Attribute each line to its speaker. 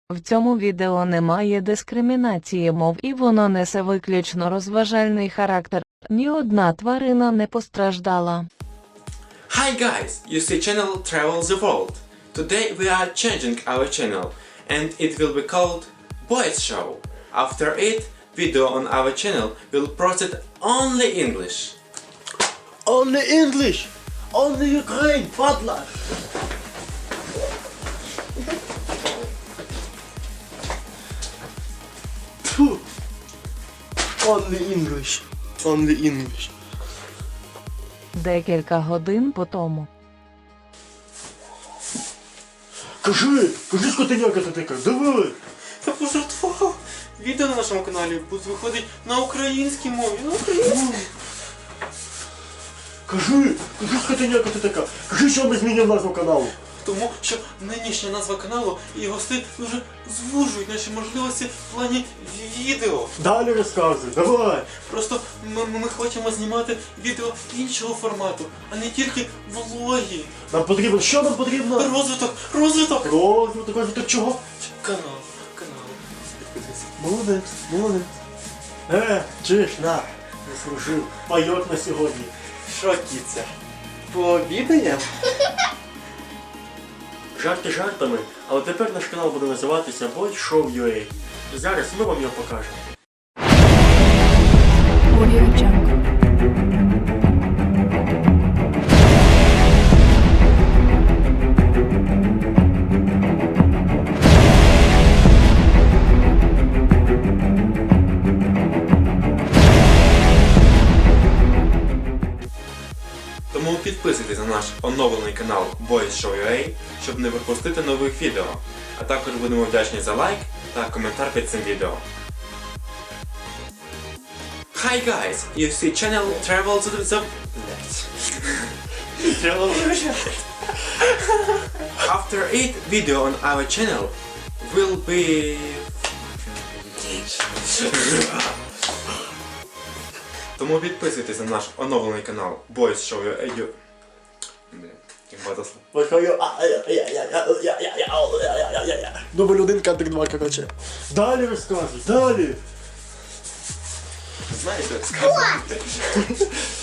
Speaker 1: В цьому відео немає дискримінації мов і воно несе виключно розважальний характер. Ні одна тварина не постраждала.
Speaker 2: Hi guys, you see channel Travel the World. Today we are changing our channel and it will be called Boys Show. After it, video on our channel will proceed only English.
Speaker 3: Only English! Only Ukraine, падла! Тьфу. Only English. Only English.
Speaker 1: Декілька годин по тому.
Speaker 3: Кажи, скотиняка ти така, давай!
Speaker 2: Я пожартував. Відео на нашому каналі буде виходити на українській мові. На українській.
Speaker 3: Кажи, скотиняка ти така, кажи, що ми змінюємо назву каналу.
Speaker 2: Тому що нинішня назва каналу і гости дуже звужують наші можливості в плані відео.
Speaker 3: Далі розказуй, давай!
Speaker 2: Просто ми хочемо знімати відео іншого формату, а не тільки влоги.
Speaker 3: Нам потрібно, що нам потрібно?
Speaker 2: Розвиток!
Speaker 3: Розвиток чого?
Speaker 2: Канал. Підписуйся.
Speaker 3: Молодець. Чиш, на, заслужив. Пайок на сьогодні.
Speaker 2: Що, кіця? Пообідаємо?
Speaker 3: Жарти жартами, але тепер наш канал буде називатися Boys Show UA. Зараз ми вам його покажемо.
Speaker 4: Audio Jungle.
Speaker 2: Тому підписуйтесь на наш оновлений канал Boys Show UA, щоб не пропустити нових відео. А також будемо вдячні за лайк та коментар під цим відео. Hi guys, you see channel Travel to the... After it, video on our channel will be... Тому підписуйтесь на наш оновлений канал Boys Show UA. Як багато слов.
Speaker 3: Дубль 1, кадр 2, короче. Далі розказуй, далі!
Speaker 2: Знаєте, як сказати?